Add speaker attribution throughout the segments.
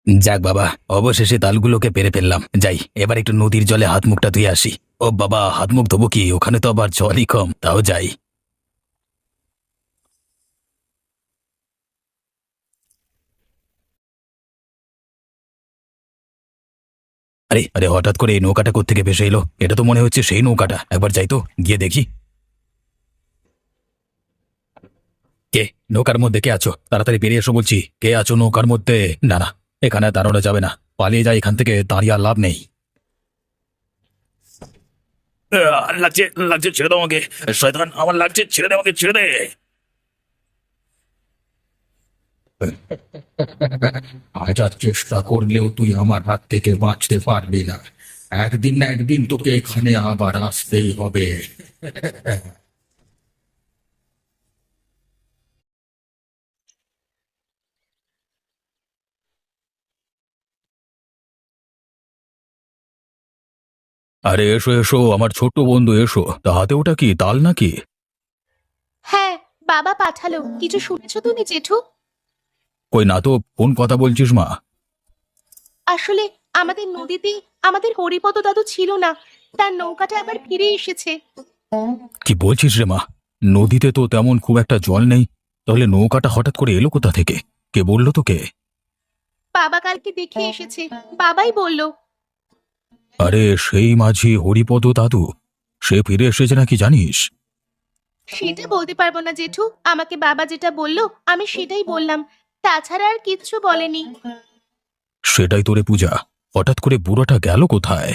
Speaker 1: যাক বাবা, অবশেষে তালগুলোকে পেরে ফেললাম। যাই, এবার একটু নদীর জলে হাত মুখটা ধুয়ে আসি। ও বাবা, হাত মুখ ধোবো কি? ওখানে তো আবার জলই কম, তাও যাই। আরে আরে, হঠাৎ করে এই নৌকাটা কোত্থেকে ভেসে এলো? এটা তো মনে হচ্ছে সেই নৌকাটা। একবার যাই তো, গিয়ে দেখি। কে? নৌকার মধ্যে কে আছো? তাড়াতাড়ি বেরিয়ে এসো বলছি। কে আছো নৌকার মধ্যে? না না, এখানে আর দাঁড়ানো যাবে না। পালিয়ে যাই এখান থেকে, দাঁড়িয়ে আর লাভ নেই। লাগছে, লাগছে, ছেড়ে দাও আমাকে। শয়তান, আমার লাগছে, ছেড়ে দে আমাকে, ছেড়ে দে। আজ আর চেষ্টা করলেও তুই আমার হাত থেকে বাঁচতে পারবি না। একদিন না একদিন তোকে এখানে আবার আসতেই হবে। আরে এসো এসো, আমার ছোট্ট বন্ধু, এসো। তা হাতে ওটা কি, তাল নাকি?
Speaker 2: হ্যাঁ, বাবা পাঠালো। কিছু শুনেছো তুমি জেঠু?
Speaker 1: কই না তো, কোন কথা বলছিস মা?
Speaker 2: আসলে আমাদের নদীতে আমাদের হরিপদ দাদু ছিল না, তার নৌকাটা আবার ফিরে এসেছে।
Speaker 1: কি বলছিস রে মা? নদীতে তো তেমন খুব একটা জল নেই, তাহলে নৌকাটা হঠাৎ করে এলো কোথা থেকে? কে বললো তোকে?
Speaker 2: বাবা কালকে দেখে এসেছে, বাবাই বলল।
Speaker 1: আরে সেই মাঝি হরিপদ দাদু, সে ফিরে এসেছে নাকি জানিস?
Speaker 2: সেটা বলতে পারবো না জেঠু, আমাকে বাবা যেটা বলল আমি সেটাই বললাম, তাছাড়া আর কিচ্ছু বলেনি।
Speaker 1: সেটাই তোরে পূজা, হঠাৎ করে বুড়োটা গেল কোথায়?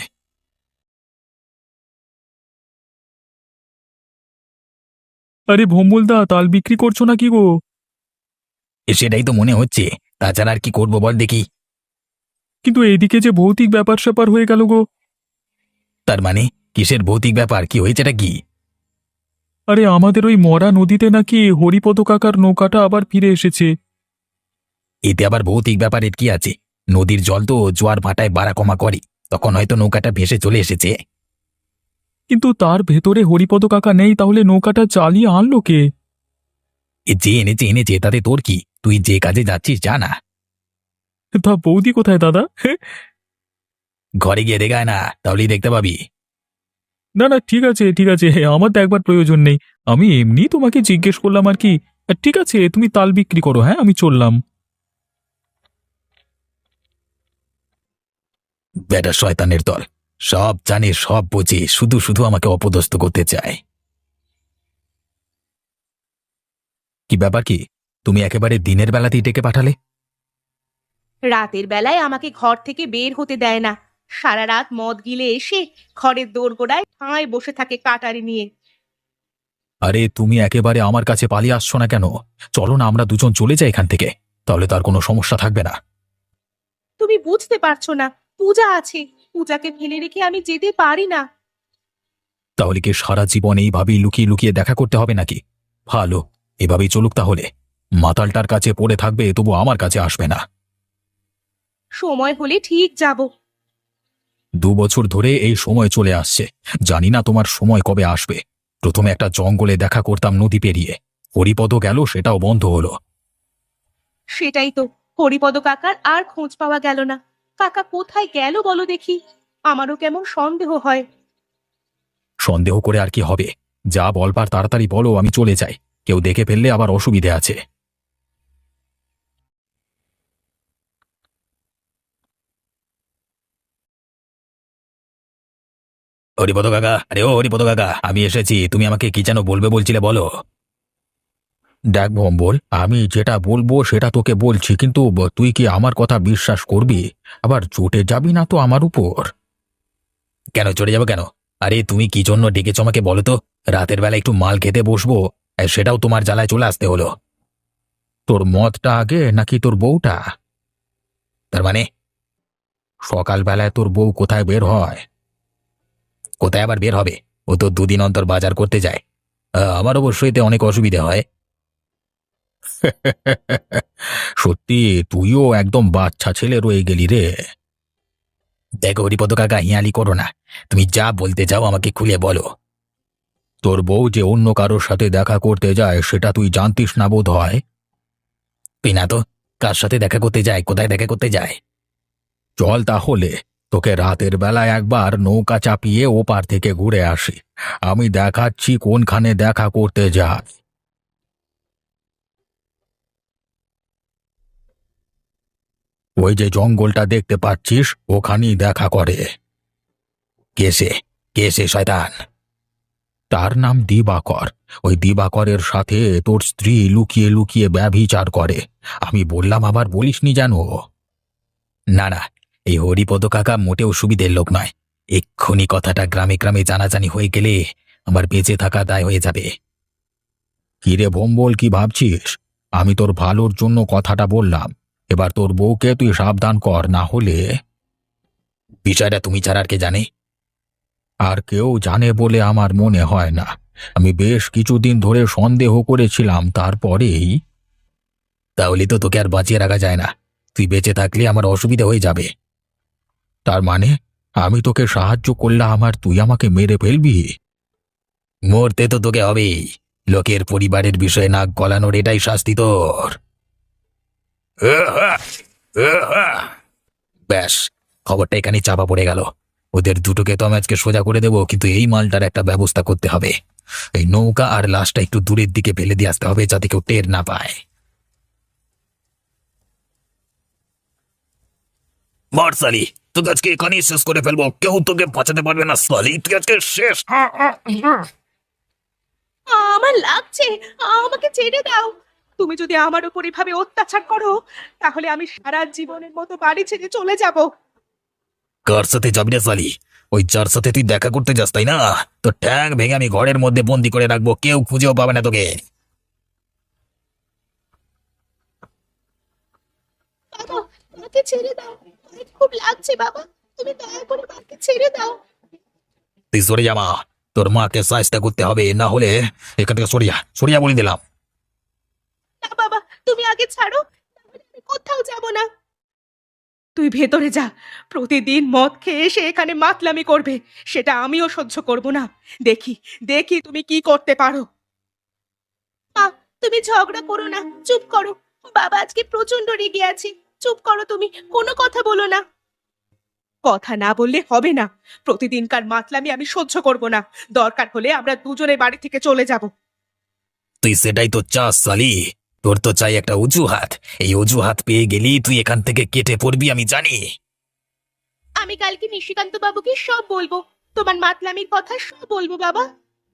Speaker 1: আরে ভম্বলদা, তাল বিক্রি করছো নাকি গো? সেটাই তো মনে হচ্ছে। তাছাড়া আর কি করবো বল দেখি। কিন্তু এইদিকে যে ভৌতিক ব্যাপার স্যাপার হয়ে গেল গো। তার মানে কিসের ভৌতিক ব্যাপার? কি হয়েছেটা কি? আরে আমাদের ওই মরা নদীতে নাকি হরিপদ কাকার নৌকাটা আবার ফিরে এসেছে। এতে আবার ভৌতিক ব্যাপারের কি আছে? নদীর জল তো জোয়ার ভাটায় বাড়া কমা করে, তখন হয়তো নৌকাটা ভেসে চলে এসেছে। কিন্তু তার ভেতরে হরিপদ কাকা নেই, তাহলে নৌকাটা চালিয়ে আনলো কে? যে এনেছে এনেছে, তাতে তোর কি? তুই যে কাজে যাচ্ছিস যা না। তা বৌদি কোথায় দাদা? ঘরে গিয়ে দেখায় না, তাহলেই দেখতে পাবি। না না, ঠিক আছে ঠিক আছে, আমার তো একবার প্রয়োজন নেই। আমি এমনি তোমাকে জিজ্ঞেস করলাম আর কি। ঠিক আছে, তুমি তাল বিক্রি করো, হ্যাঁ আমি চললাম। বেটা শয়তানের দল, সব জানে সব বোঝে, শুধু শুধু আমাকে অপদস্থ করতে চায়। কি ব্যাপার কি? তুমি একেবারে দিনের বেলাতেই ডেকে পাঠালে?
Speaker 2: রাতের বেলায় আমাকে ঘর থেকে বের হতে দেয় না, সারা রাত মদ গিলে এসে ঘরের দোরগোড়ায় ঠাঁয় বসে থাকে কাটারি নিয়ে।
Speaker 1: আরে তুমি একেবারে আমার কাছে পালিয়ে আসছো না কেন? চলো না, আমরা দুজন চলে যাই এখান থেকে, তাহলে তার কোনো সমস্যা থাকবে না।
Speaker 2: তুমি বুঝতে পারছো না, পূজা আছে, পূজাকে ফেলে রেখে আমি যেতে পারি না।
Speaker 1: তাহলে কি সারা জীবন এইভাবেই লুকিয়ে লুকিয়ে দেখা করতে হবে নাকি? ভালো, এভাবেই চলুক তাহলে। মাতালটার কাছে পড়ে থাকবে, তবু আমার কাছে আসবে না।
Speaker 2: সময় হলে ঠিক যাব।
Speaker 1: 2 বছর ধরে এই সময় চলে আসছে, জানি না তোমার সময় কবে আসবে। প্রথমে একটা জঙ্গলে দেখা করতাম নদী পেরিয়ে, হরিপদ গেল, সেটাও বন্ধ হলো।
Speaker 2: সেটাই তো, হরিপদ কাকার আর খোঁজ পাওয়া গেল না। কাকা কোথায় গেল বলো দেখি, আমারও কেমন সন্দেহ হয়।
Speaker 1: সন্দেহ করে আর কি হবে? যা বলবার তাড়াতাড়ি বলো, আমি চলে যাই। কেউ দেখে ফেললে আবার অসুবিধে আছে। হরিপদ কাকা, আরে ও হরিপদ কাকা, আমি এসেছি। তুমি আমাকে কি যেন বলবে বলছিলে, বলো। দেখ ভম্বল, আমি যেটা বলবো সেটা তোকে বলছি, কিন্তু তুই কি আমার কথা বিশ্বাস করবি? আবার চটে যাবি না তো আমার উপর? কেন চড়ে যাবো কেন? আরে তুমি কি জন্য ডেকেছ আমাকে বলো তো? রাতের বেলা একটু মাল খেতে বসবো, আর সেটাও তোমার জ্বালায় চলে আসতে হলো। তোর মদটা আগে নাকি তোর বউটা? তার মানে সকালবেলায় তোর বউ কোথায় বের হয়? কোথায় আবার বের হবে? ও তো 2 দিন অন্তর বাজার করতে যায়। আমার অবশ্যই এতে অনেক অসুবিধে হয়। সত্যি, তুইও একদম বাচ্চা ছেলে রয়ে গেলি রে। দেখো হরিপদ কাকা, হিয়ালি করো না। তুমি যা বলতে চাও আমাকে খুলে বলো। তোর বউ যে অন্য কারোর সাথে দেখা করতে যায় সেটা তুই জানতিস না বোধ হয়। তুই না তো, কার সাথে দেখা করতে যায়, কোথায় দেখা করতে যায়? চল তাহলে, তোকে রাতের বেলায় একবার নৌকা চাপিয়ে ওপার থেকে ঘুরে আসি। আমি দেখাচ্ছি কোনখানে দেখা করতে যায়। ওই যে জঙ্গলটা দেখতে পাচ্ছিস, ওখানেই দেখা করে। কেসে কেসে শয়তান? তার নাম দিবাকর। ওই দিবাকরের সাথে তোর স্ত্রী লুকিয়ে লুকিয়ে ব্যভিচার করে। আমি বললাম আবার বলিসনি জানো? না না, এই হরিপদ কাকা মোটেও সুবিধের লোক নয়। এক্ষুনি কথাটা গ্রামে গ্রামে জানাজানি হয়ে গেলে আমার বেঁচে থাকা দায় হয়ে যাবে। কিরে ভোম্বল, কি ভাবছিস? আমি তোর ভালোর জন্য কথাটা বললাম। এবার তোর বউকে তুই সাবধান কর, না হলে। বিষয়টা তুমি ছাড়া আর কে জানে? আর কেউ জানে বলে আমার মনে হয় না। আমি বেশ কিছুদিন ধরে সন্দেহ করেছিলাম, তারপরেই। তাহলে তো তোকে আর বাঁচিয়ে রাখা যায় না। তুই বেঁচে থাকলে আমার অসুবিধা হয়ে যাবে। তার মানে আমি তোকে সাহায্য করলাম আর তুই আমাকে মেরে ফেলবি? মরতে তো তোকে হবেই। লোকের পরিবারের বিষয়ে নাক গলানোর এটাই শাস্তি তোর। ব্যাস, খবরটা এখানে চাপা পড়ে গেল। ওদের দুটোকে তো আমি আজকে সোজা করে দেবো, কিন্তু এই মালটার একটা ব্যবস্থা করতে হবে। এই নৌকা আর লাশটা একটু দূরের দিকে ফেলে দিয়ে আসতে হবে, যাতে কেউ টের না পায়। মার সালি, তোকে আজকে এখানেই শেষ করে ফেলবো। কেউ তোকে বাঁচাতে পারবে না সালি, তুই আজকে শেষ।
Speaker 2: আমার লাগছে, আমাকে ছেড়ে দাও। তুমি যদি আমার উপর এভাবে অত্যাচার করো, তাহলে আমি সারা জীবনের মতো বাড়ি ছেড়ে চলে যাব।
Speaker 1: কার সাথে যাবি রে সালি? ওই যার সাথে তুই দেখা করতে যাস, তাই না? তো ট্যাং ভেঙে আমি ঘরের মধ্যে বন্দি করে রাখবো, কেউ খুঁজেও পাবে না তোকে।
Speaker 2: বাবা, আমাকে ছেড়ে দাও, আমার খুব লাগছে বাবা, তুমি দয়া করে আমাকে ছেড়ে দাও।
Speaker 1: তুই সরে যা মা, তোর মাকে সাহায্য করতে হবে, না হলে এখান থেকে সরিয়া সরিয়া বলে দিলাম।
Speaker 2: না বাবা, তুমি আগে ছাড়ো, তাহলে আমি কোথাও যাব না। তুই ভেতরে যা। প্রতিদিন মদ খেয়ে এসে এখানে মাতলামি করবে, সেটা আমিও সহ্য করব না। দেখি দেখি তুমি কি করতে পারো। মা, তুমি ঝগড়া করো না, চুপ করো। বাবা আজকে প্রচন্ড রেগে আছে। চুপ করো তুমি, কোনো কথা বলো না। কথা না বললে হবে না। প্রতিদিনকার মাতলামি আমি সহ্য করব না। দরকার হলে আমরা দুজনে বাড়ি থেকে চলে যাব।
Speaker 1: তুই সেটাই তো চাস সালি। তোর তো চাই একটা অজুহাত। এই অজুহাত পেয়ে গেলি তুই এখান থেকে কেটে পড়বি, আমি জানি।
Speaker 2: আমি কালকে নিশিকান্ত বাবুকে সব বলবো, তোমার মাতলামির কথা সব বলবো বাবা।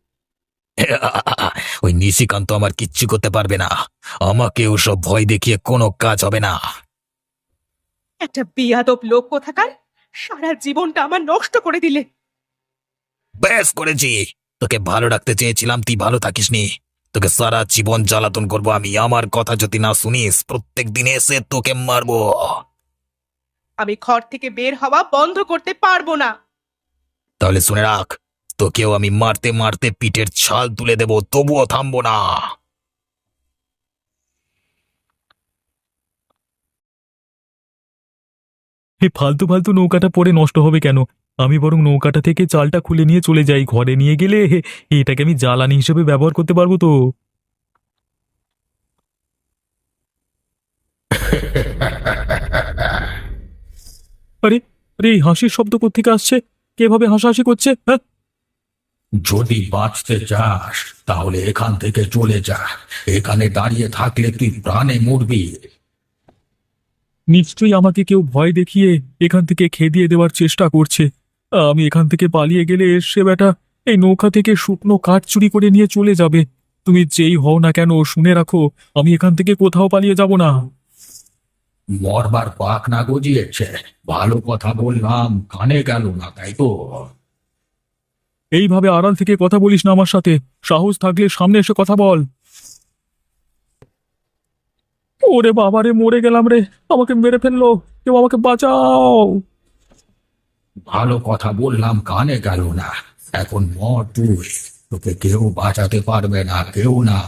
Speaker 1: ওই নিশিকান্ত আমার কিচ্ছু করতে পারবে না। আমাকে ওসব ভয় দেখিয়ে কোনো কাজ হবে না।
Speaker 2: একটা বেয়াদব লোক কোথাকার, সারা জীবনটা আমার নষ্ট করে দিলে।
Speaker 1: বেশ করেছি। তোকে ভালো রাখতে চেয়েছিলাম, তুই ভালো থাকিসনি। তোকে সারা জীবন জ্বালাতন করবো আমি। আমার কথা যদি না শুনিস, প্রত্যেক দিন এসে তোকে মারবো।
Speaker 2: আমি ঘর থেকে বের হওয়া বন্ধ করতে পারবো না।
Speaker 1: তাহলে শুনে রাখ, তোকেও আমি মারতে মারতে পিঠের ছাল তুলে দেব, তবুও থামবো না। এই ফালতু ফালতু নৌকাটা পড়ে নষ্ট হবে কেন? আমি বরং নৌকাটা থেকে চালটা খুলে নিয়ে চলে যাই। ঘরে নিয়ে গেলে এটাকে আমি জ্বালানি হিসেবে ব্যবহার করতে পারবো তো। আরে আরে, এই হাসির শব্দ কোত্থেকে আসছে? কেভাবে হাসাহাসি করছে? হ্যাঁ, যদি বাঁচতে চাস তাহলে এখান থেকে চলে যা। এখানে দাঁড়িয়ে থাকলে তুই প্রাণে মরবি। নিশ্চয়ই আমাকে কেউ ভয় দেখিয়ে এখান থেকে খেদিয়ে দেওয়ার চেষ্টা করছে। আমি এখান থেকে পালিয়ে গেলে সে বেটা এই নৌকা থেকে শুকনো কাঠ চুরি করে নিয়ে চলে যাবে। তুমি যেই হও না কেন, শুনে রাখো, আমি এখান থেকে কোথাও পালিয়ে যাব না। মরবার পাক না গজিয়েছে, ভালো কথা বললাম, কানে গেল না, তাই তো? এইভাবে আড়াল থেকে কথা বলিস না আমার সাথে। সাহস থাকলে সামনে এসে কথা বল। ওরে বাবারে, মরে গেলাম রে, আমাকে মেরে ফেললো, কেউ আমাকে বাঁচাও। ভালো কথা বললাম, কানে গেল না। এখন মর তুই, তোকে কেউ বাঁচাতে পারবে না, কেউ না।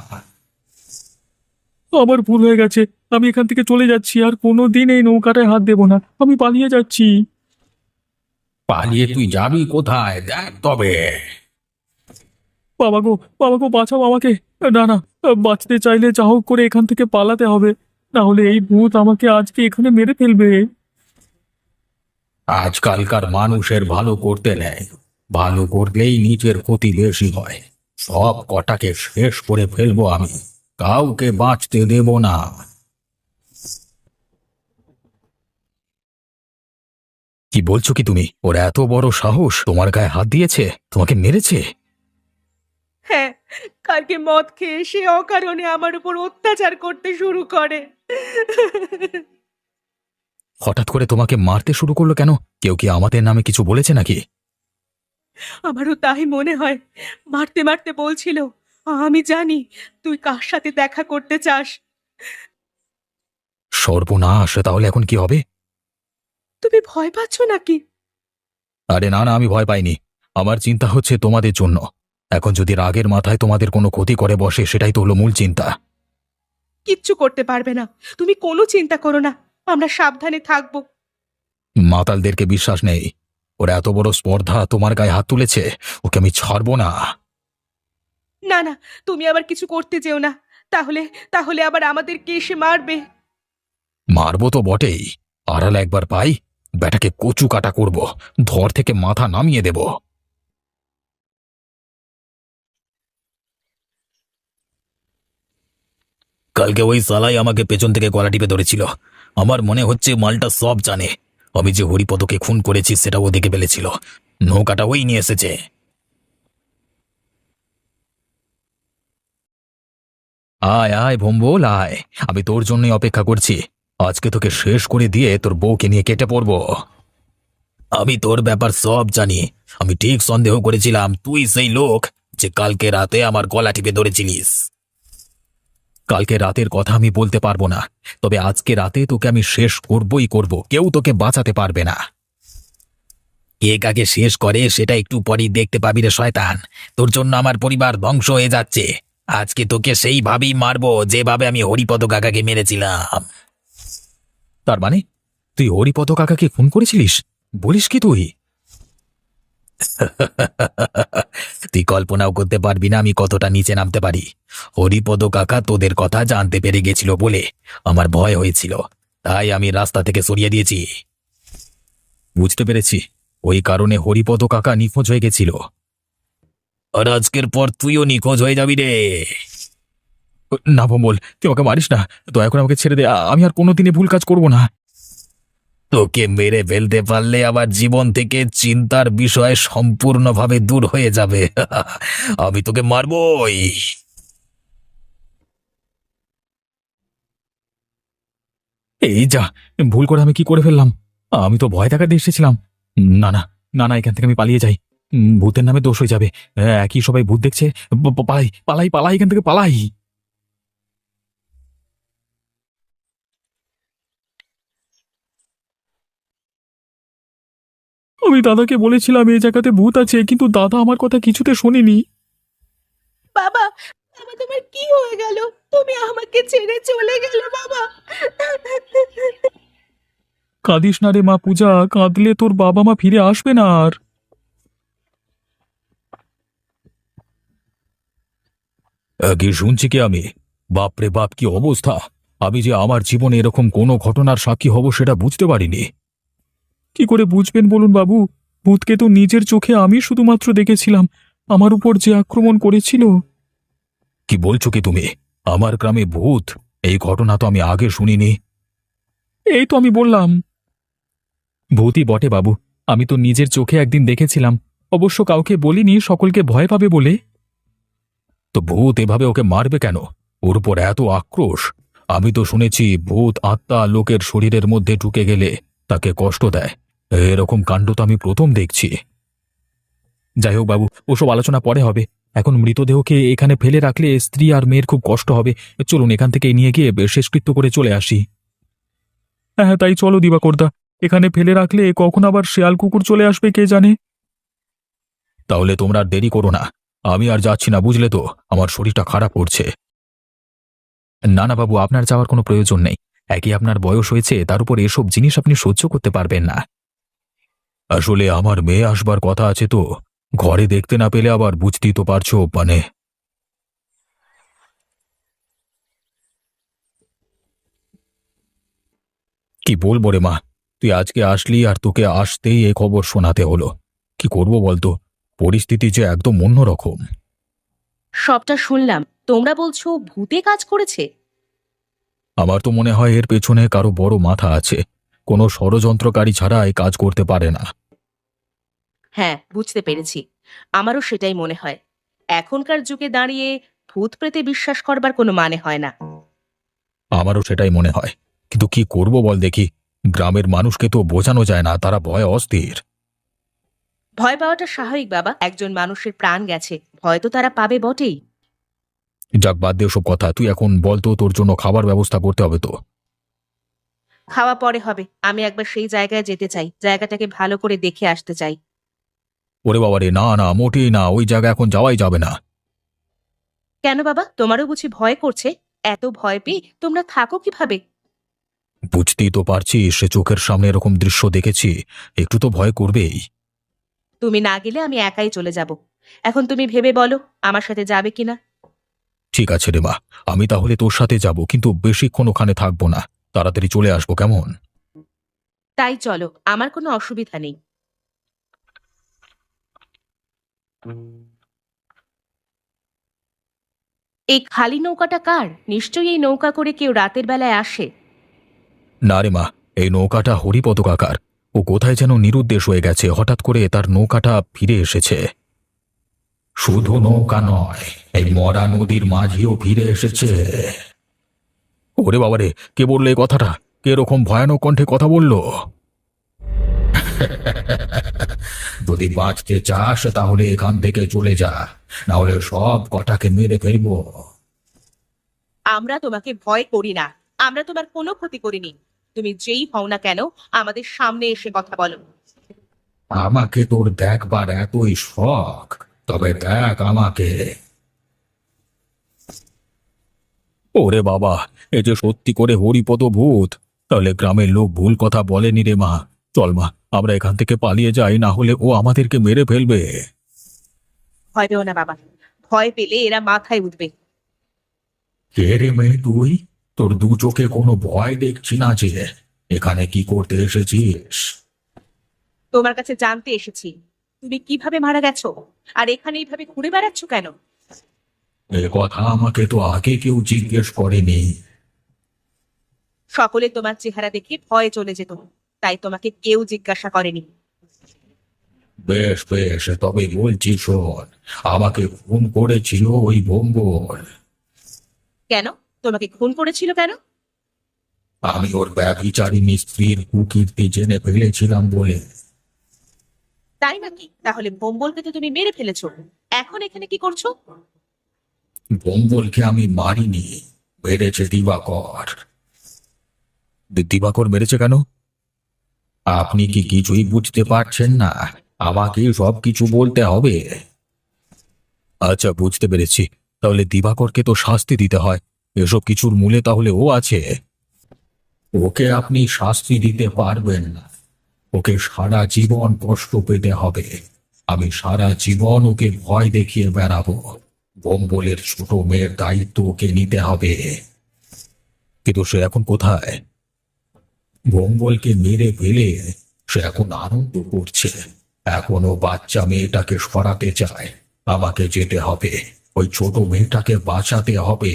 Speaker 1: আমার ভুল হয়ে গেছে, আমি এখান থেকে চলে যাচ্ছি, আর কোনোদিন এই নৌকাটায় হাত দেব না, আমি পালিয়ে যাচ্ছি। পালিয়ে তুই যাবি কোথায়, দেখ তবে। বাবা গো, বাবা গো, বাঁচাও আমাকে। না না, বাঁচতে চাইলে যা হোক করে এখান থেকে পালাতে হবে, না হলে এই ভূত আমাকে আজকে এখানে মেরে ফেলবে। আজকালকার মানুষের ভালো করতে নেই, ভালো করলেই নিজের ক্ষতি বেশি হয়। সব কটাকে শেষ করে ফেলবো আমি, কাউকে বাঁচতে দেব না। কি বলছো কি তুমি? ওর এত বড় সাহস তোমার গায়ে হাত দিয়েছে, তোমাকে মেরেছে?
Speaker 2: হ্যাঁ, কালকে মদ খেয়ে সে অকারণে আমার উপর অত্যাচার করতে শুরু করে।
Speaker 1: হঠাৎ করে তোমাকে মারতে শুরু করলো কেন? কেউ কি আমাদের নামে কিছু বলেছে নাকি?
Speaker 2: আমারও তাই মনে হয়। মারতে মারতে বলছিল, আমি জানি তুই কার সাথে দেখা করতে চাস।
Speaker 1: সর্বনাশ, তাহলে এখন কি হবে?
Speaker 2: তুমি ভয় পাচ্ছ নাকি?
Speaker 1: আরে না না, আমি ভয় পাইনি। আমার চিন্তা হচ্ছে তোমাদের জন্য। এখন যদি রাগের মাথায় তোমাদের কোনো ক্ষতি করে বসে, সেটাই তো হলো মূল চিন্তা।
Speaker 2: কিচ্ছু করতে পারবে না, তুমি কোনো চিন্তা করো না, আমরা সাবধানে থাকবো।
Speaker 1: মাতালদেরকে বিশ্বাস নেই। ওরা এত বড় স্পর্ধা তোমার গায়ে হাত তুলেছে, ওকে আমি ছাড়বো না।
Speaker 2: না না, তুমি আবার কিছু করতে যেও না, তাহলে তাহলে আবার আমাদেরকে এসে মারবে।
Speaker 1: মারবো তো বটেই, আড়াল একবার পাই, ব্যাটাকে কচু কাটা করব, ধর থেকে মাথা নামিয়ে দেব। কালকে ওই সালাই আমাকে পেছন থেকে গলা টিপে ধরেছিল। আমার মনে হচ্ছে মালটা সব জানে। আমি যে হরিপদকে খুন করেছি সেটা ও দেখে ফেলেছিল। নৌকাটা ওই নিয়ে এসেছে। আয় আয় ভোম্বল আয়, আমি তোর জন্যই অপেক্ষা করছি। আজকে তোকে শেষ করে দিয়ে তোর বউকে নিয়ে কেটে পড়ব। আমি তোর ব্যাপার সব জানি। আমি ঠিক সন্দেহ করেছিলাম তুই সেই লোক যে কালকে রাতে আমার গলা টিপে ধরেছিলিস। কালকে রাতের কথা আমি বলতে পারবো না, তবে আজকে রাতে তোকে আমি শেষ করবই করব, কেউ তোকে বাঁচাতে পারবে না। কে কাকে শেষ করে সেটা একটু পরেই দেখতে পাবি রে শয়তান। তোর জন্য আমার পরিবার ধ্বংস হয়ে যাচ্ছে। আজকে তোকে সেইভাবেই মারবো যেভাবে আমি হরিপদ কাকাকে মেরেছিলাম। তার মানে তুই হরিপদ কাকাকে খুন করেছিলিস? বলিস কি তুই? তুই কল্পনাও করতে পারবি না আমি কতটা নিচে নামতে পারি। হরিপদ কাকা তোদের কথা জানতে পেরে গেছিল বলে আমার ভয় হয়েছিল, তাই আমি রাস্তা থেকে সরিয়ে দিয়েছি। বুঝতে পেরেছি, ওই কারণে হরিপদ কাকা নিখোঁজ হয়ে গেছিল। আর আজকের পর তুইও নিখোঁজ হয়ে যাবি রে। না ভোম্বল, তুই আমাকে মারিস না, দয়া করে আমাকে ছেড়ে দে। আমি আর কোনোদিনই ভুল কাজ করব না। তোকে মেরে ফেলতে পারলে আমার জীবন থেকে চিন্তার বিষয় সম্পূর্ণভাবে দূর হয়ে যাবে। আমি তোকে মারবই। এই যা, ভুল করে আমি কি করে ফেললাম? আমি তো ভয় দেখাতে এসেছিলাম। না না, না না, এখান থেকে আমি পালিয়ে যাই। ভূতের নামে দোষ হয়ে যাবে। একই সবাই ভূত দেখছে। পালাই পালাই পালাই, এখান থেকে পালাই। আমি দাদাকে বলেছিলাম এই জায়গাতে ভূত আছে, কিন্তু দাদা আমার কথা কিছুতে শোনেনি।
Speaker 2: বাবা, বাবা তোমার কি হয়ে গেল? তুমি আমাকে ছেড়ে চলে গেলে বাবা।
Speaker 1: কাঁদিস না রে মা পূজা, কাঁদলে তোর বাবা মা ফিরে আসবে না আর। কি শুনছি কি আমি? বাপরে বাপ, কি অবস্থা! আমি যে আমার জীবনে এরকম কোনো ঘটনার সাক্ষী হব সেটা বুঝতে পারিনি। কি করে বুঝবেন বলুন বাবু? ভূতকে তো নিজের চোখে আমি শুধুমাত্র দেখেছিলাম। আমার উপর যে আক্রমণ করেছিল। কি বলছো কি তুমি? আমার গ্রামে ভূত? এই ঘটনা তো আমি আগে শুনিনি। এই তো আমি বললাম। ভূতই বটে বাবু, আমি তো নিজের চোখে একদিন দেখেছিলাম। অবশ্য কাউকে বলিনি, সকলকে ভয় পাবে বলে। তো ভূত এভাবে ওকে মারবে কেন? ওর উপর এত আক্রোশ! আমি তো শুনেছি ভূত আত্মা লোকের শরীরের মধ্যে ঢুকে গেলে তাকে কষ্ট দেয়। এরকম কাণ্ড তো আমি প্রথম দেখছি। যাই হোক বাবু, ওসব আলোচনা পরে হবে। এখন মৃতদেহকে এখানে ফেলে রাখলে স্ত্রী আর মেয়ের খুব কষ্ট হবে। চলুন এখান থেকে নিয়ে গিয়ে শেষকৃত্য করে চলে আসি। হ্যাঁ হ্যাঁ, তাই চলো দিবাকরদা। এখানে ফেলে রাখলে কখন আবার শেয়াল কুকুর চলে আসবে কে জানে। তাহলে তোমরা আর দেরি করো না, আমি আর যাচ্ছি না, বুঝলে তো? আমার শরীরটা খারাপ করছে। না না বাবু, আপনার যাওয়ার কোনো প্রয়োজন নেই। একই আপনার বয়স হয়েছে, তার উপর এসব জিনিস আপনি সহ্য করতে পারবেন না। আসলে আমার মেয়ে আসবার কথা আছে তো, ঘরে দেখতে না পেলে আবার বুঝতেই তো পারছো মানে। কি বলবো রে মা, তুই আজকে আসলি আর তোকে আসতেই এ খবর শোনাতে হলো। কি করব বলতো, পরিস্থিতি যে একদম অন্যরকম।
Speaker 2: সবটা শুনলাম, তোমরা বলছো ভূতে কাজ করেছে?
Speaker 1: আমার তো মনে হয় এর পেছনে কারো বড় মাথা আছে। কোনো ষড়যন্ত্রকারী ছাড়া এই কাজ করতে পারে না।
Speaker 2: হ্যাঁ, বুঝতে পেরেছি। আমারও সেটাই মনে হয়। এখনকার যুগে দাঁড়িয়ে ভূত প্রেতে বিশ্বাস করবার কোনো মানে হয় না।
Speaker 1: আমারও সেটাই মনে হয়, কিন্তু কি করব বল দেখি। গ্রামের মানুষকে তো বোঝানো যায় না, তারা ভয়ে অস্থির।
Speaker 2: ভয় পাওয়াটা স্বাভাবিক বাবা, একজন মানুষের প্রাণ গেছে, ভয় তো তারা পাবে বটেই।
Speaker 1: যাক, বাদ দে ওসব কথা। তুই এখন বল তো, তোর জন্য খাবার ব্যবস্থা করতে হবে তো।
Speaker 2: খাওয়া পরে হবে, আমি একবার সেই জায়গায় যেতে চাই, জায়গাটাকে ভালো করে দেখে আসতে চাই।
Speaker 1: ওরে বাবা রে, না না, মোটেই না, ওই জায়গা এখন যাওয়াই যাবে না।
Speaker 2: কেন বাবা, তোমারও বুঝি ভয় করছে? এত ভয় পেয়ে তোমরা থাকো কিভাবে?
Speaker 1: বুঝতেই তো পারছিস, সে চোখের সামনে এরকম দৃশ্য দেখেছি, একটু তো ভয় করবেই।
Speaker 2: তুমি না গেলে আমি একাই চলে যাব। এখন তুমি ভেবে বলো, আমার সাথে যাবে কিনা।
Speaker 1: ঠিক আছে রে মা, আমি তাহলে তোর সাথে যাব, কিন্তু বেশিক্ষণ ওখানে থাকবো না, তাড়াতাড়ি চলে আসবো, কেমন?
Speaker 2: তাই চলো, আমার কোনো অসুবিধা নেই। এই খালি নৌকাটা কার? নিশ্চয়ই এই নৌকা করে কেউ রাতের বেলায় আসে।
Speaker 1: না রে মা, এই নৌকাটা হরিপদ কাকার। ও কোথায় যেন নিরুদ্দেশ হয়ে গেছে, হঠাৎ করে তার নৌকাটা ফিরে এসেছে। শুধু নৌকা নয়, এই মরা নদীর মাঝিও ফিরে এসেছে। ওরে বাবারে, কে বললো এই কথাটা? কে এরকম ভয়ানক কণ্ঠে কথা বললো? যদি বাঁচতে চাস তাহলে এখান থেকে চলে যা, না হলে সব কটাকে মেরে ফেলবো।
Speaker 2: আমরা তোমাকে ভয় করি না, আমরা তোমার কোনো ক্ষতি করিনি। তুমি যেই হও না কেন, আমাদের সামনে এসে কথা বলো।
Speaker 1: আমাকে তোর দেখবার এতই শখ, তবে দেখ আমাকে। ওরে বাবা, এ যে সত্যি করে হরিপদ ভূত! তাহলে গ্রামের লোক ভুল কথা বলেনি রে মা। চল মা, আমরা এখান থেকে পালিয়ে যাই, না হলে ও আমাদেরকে মেরে ফেলবে।
Speaker 2: ভয় পেও না বাবা, ভয় পেলে এরা মাথায় উঠবে।
Speaker 1: কে রে মেয়ে তুই? তোর দু চোখে কোনো ভয় দেখছি না যে। এখানে কি করতে এসেছিস?
Speaker 2: তোমার কাছে জানতে এসেছি, তুমি কিভাবে মারা গেছো, আর এখানে এইভাবে ঘুরে বেড়াচ্ছ কেন।
Speaker 1: এ কথা আমাকে তো আগে কেউ জিজ্ঞেস করেনি।
Speaker 2: সকলে তোমার চেহারা দেখে ভয়ে চলে যেত, তাই তোমাকে কেউ জিজ্ঞাসা করেনি।
Speaker 1: বেশ বেশ, তবে বলছি শোন, আমাকে খুন করেছিল ওই ভোম্বল।
Speaker 2: কেন? তোমাকে খুন করেছিল কেন?
Speaker 1: আমি ওর ব্যভিচারিণী স্ত্রীর কুকীর্তি জেনে ফেলেছিলাম বলে।
Speaker 2: তাই নাকি? তাহলে ভোম্বলকে তো তুমি মেরে ফেলেছো, এখন এখানে কি করছো?
Speaker 1: ভোম্বলকে আমি মারিনি, মেরেছে দিবাকর। দিবাকর মেরেছে কেন? আপনি কি কিছুই বুঝতে পারছেন না? আমাকে সবকিছু বলতে হবে। আচ্ছা, বুঝতে পেরেছি। তাহলে দিবাকরকে তো শাস্তি দিতে হয়, এসব কিছুর মূলে তাহলে ও আছে। ওকে আপনি শাস্তি দিতে পারবেন না, ওকে সারা জীবন কষ্ট পেতে হবে। আমি সারা জীবন ওকে ভয় দেখিয়ে বেড়াবো। ভোম্বলের ছোট মেয়ের দায়িত্ব ওকে নিতে হবে। কিন্তু সে এখন কোথায়? ভোম্বলকে মেরে ফেলে সে এখন আনন্দ করছে। এখনো বাচ্চা মেয়েটাকে সরাতে চায়। আমাকে যেতে হবে, ওই ছোট মেয়েটাকে বাঁচাতে হবে।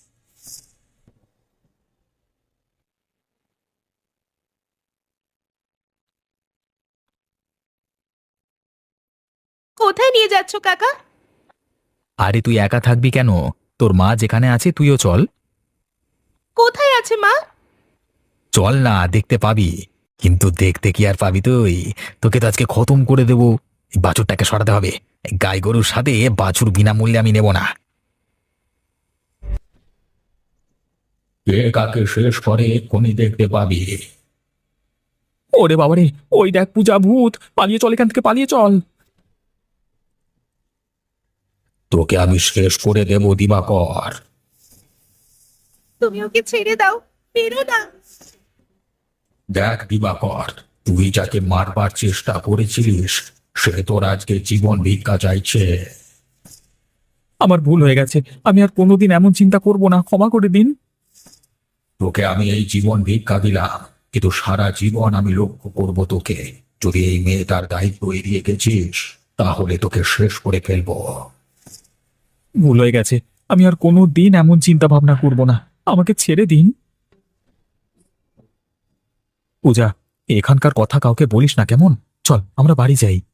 Speaker 2: কোথায় নিয়ে যাচ্ছ কাকা?
Speaker 1: আরে তুই একা থাকবি কেন? তোর মা যেখানে আছে তুইও চল।
Speaker 2: কোথায় আছে মা?
Speaker 1: চল না, দেখতে পাবি। কিন্তু দেখতে কি আর পাবি তুই? তোকে তো আজকে খতম করে দেবো। এই বাছুরটাকে সরাতে হবে। এই গাই গরুর সাথে বাছুর বিনামূল্যে আমি নেব না। কে কাকে শেষ করে এক্ষুনি দেখতে পাবি। ওরে বাবারে, ওই দেখ পূজা, ভূত! পালিয়ে চল, এখান থেকে পালিয়ে চল। তোকে আমি শেষ করে দেব দিবাকর।
Speaker 2: তুমি ওকে ছেড়ে দাও, বেরো না।
Speaker 1: দেখ দিবাকর, তুই যাকে মারবার চেষ্টা করেছিলিস সে তোর আজকে জীবন ভিক্ষা চাইছে। আমার ভুল হয়ে গেছে, আমি আর কোনোদিন এমন চিন্তা করব না, ক্ষমা করে দিন। তোকে আমি এই জীবন ভিক্ষা দিলাম, কিন্তু সারা জীবন আমি লক্ষ্য করব তোকে। যদি এই মেয়েটার দায়িত্ব এড়িয়ে গেছিস তাহলে তোকে শেষ করে ফেলবো। ভুল হয়ে গেছে, আমি আর কোনো দিন এমন চিন্তা ভাবনা করব না, আমাকে ছেড়ে দিন। পূজা, এখানকার কথা কাউকে বলিস না কেমন? চল আমরা বাড়ি যাই।